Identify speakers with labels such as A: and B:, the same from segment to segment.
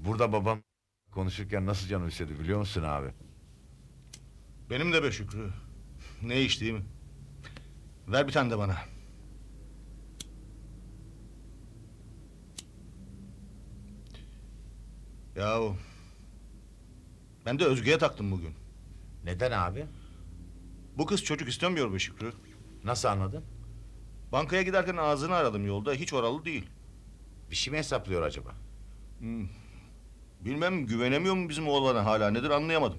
A: Burada babam konuşurken nasıl canım istedi biliyor musun abi?
B: Benim de be Şükrü. Ne iş değil mi? Ver bir tane de bana. Yahu ben de Özge'ye taktım bugün.
A: Neden abi?
B: Bu kız çocuk istemiyor be Şükrü.
A: Nasıl anladın?
B: Bankaya giderken ağzını aradım yolda. Hiç oralı değil.
A: Bir şey mi hesaplıyor acaba?
B: Bilmem güvenemiyor mu bizim oğlana hala nedir anlayamadım.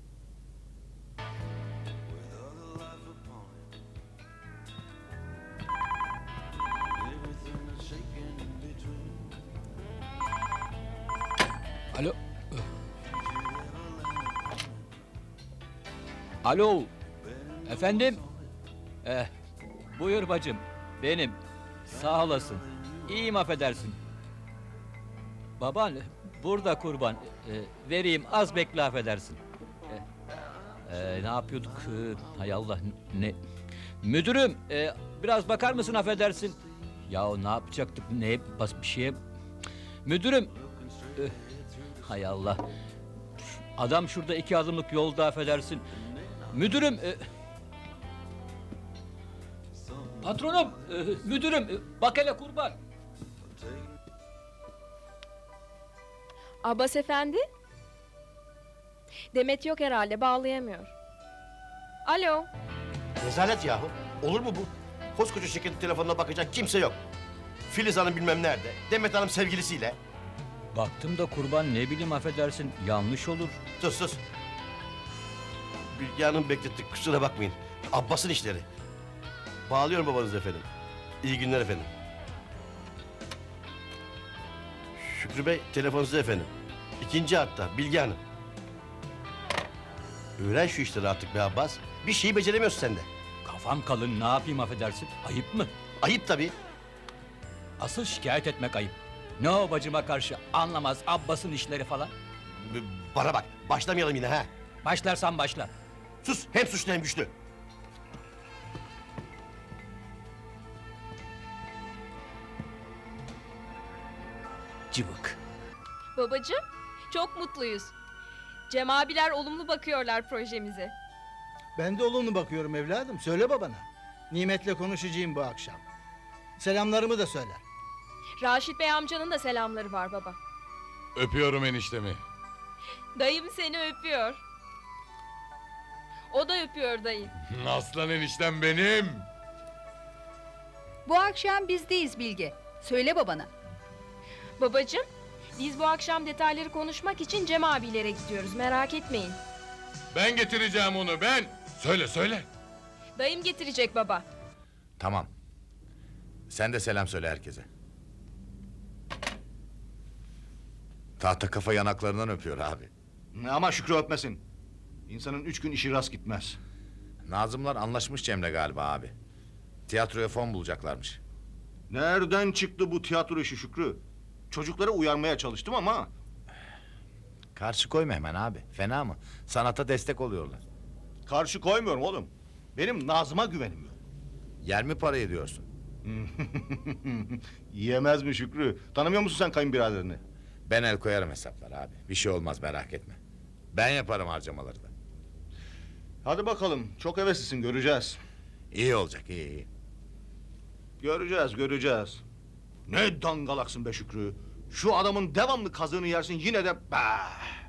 C: Alo. Alo. Efendim? Buyur bacım. Benim. Sağ olasın. İyiyim affedersin. Baban burada kurban. Vereyim az bekle affedersin. Ne yapıyorduk? Hay Allah ne? Müdürüm biraz bakar mısın affedersin? Ya ne yapacaktık? Ne bir şeye? Müdürüm. Hay Allah. Adam şurada 2 adımlık yolda affedersin. Müdürüm. Patronum. Müdürüm. Bak hele kurban.
D: Abbas efendi? Demet yok herhalde, bağlayamıyor. Alo.
E: Rezalet yahu. Olur mu bu? Koskoca şirketin telefonuna bakacak kimse yok. Filiz Hanım bilmem nerede. Demet Hanım sevgilisiyle.
C: Baktım da kurban ne bileyim affedersin yanlış olur.
E: Sus sus. Bilge Hanım beklettik kusura bakmayın. Abbas'ın işleri. Bağlıyorum babanız efendim. İyi günler efendim. Şükrü Bey telefonunuzda efendim. 2. hatta Bilge Hanım. Öğren şu işleri artık be Abbas. Bir şeyi beceremiyorsun sen de.
C: Kafam kalın ne yapayım affedersin. Ayıp mı?
E: Ayıp tabii.
C: Asıl şikayet etmek ayıp. Ne o bacıma karşı anlamaz Abbas'ın işleri falan.
E: Bana bak başlamayalım yine ha.
C: Başlarsan başla.
E: Sus hem suçlu hem güçlü.
C: Cıvık.
D: Babacığım, çok mutluyuz. Cem abiler olumlu bakıyorlar projemize.
F: Ben de olumlu bakıyorum evladım. Söyle babana. Nimet'le konuşacağım bu akşam. Selamlarımı da söyle.
D: Raşit Bey amcanın da selamları var baba.
G: Öpüyorum eniştemi.
D: Dayım seni öpüyor. O da öpüyor dayı.
G: Aslan eniştem benim.
H: Bu akşam bizdeyiz Bilge. Söyle babana.
D: Babacığım, biz bu akşam detayları konuşmak için Cem abilere gidiyoruz, merak etmeyin.
G: Ben getireceğim onu ben. Söyle söyle.
D: Dayım getirecek baba.
A: Tamam. Sen de selam söyle herkese. Tahta kafa yanaklarından öpüyor abi.
B: Ama Şükrü öpmesin. İnsanın 3 gün işi rast gitmez.
A: Nazımlar anlaşmış Cem'le galiba abi. Tiyatroya fon bulacaklarmış.
B: Nereden çıktı bu tiyatro işi Şükrü? Çocukları uyarmaya çalıştım ama...
A: Karşı koyma hemen abi. Fena mı? Sanata destek oluyorlar.
B: Karşı koymuyorum oğlum. Benim Nazım'a güvenim yok.
A: Yer mi parayı diyorsun?
B: Yiyemez mi Şükrü? Tanımıyor musun sen kayınbiraderini?
A: Ben el koyarım hesaplara abi. Bir şey olmaz merak etme. Ben yaparım harcamaları da.
B: Hadi bakalım. Çok heveslisin göreceğiz.
A: İyi olacak iyi.
B: Göreceğiz. Ne dangalaksın be Şükrü. Şu adamın devamlı kazığını yersin yine de... Bah!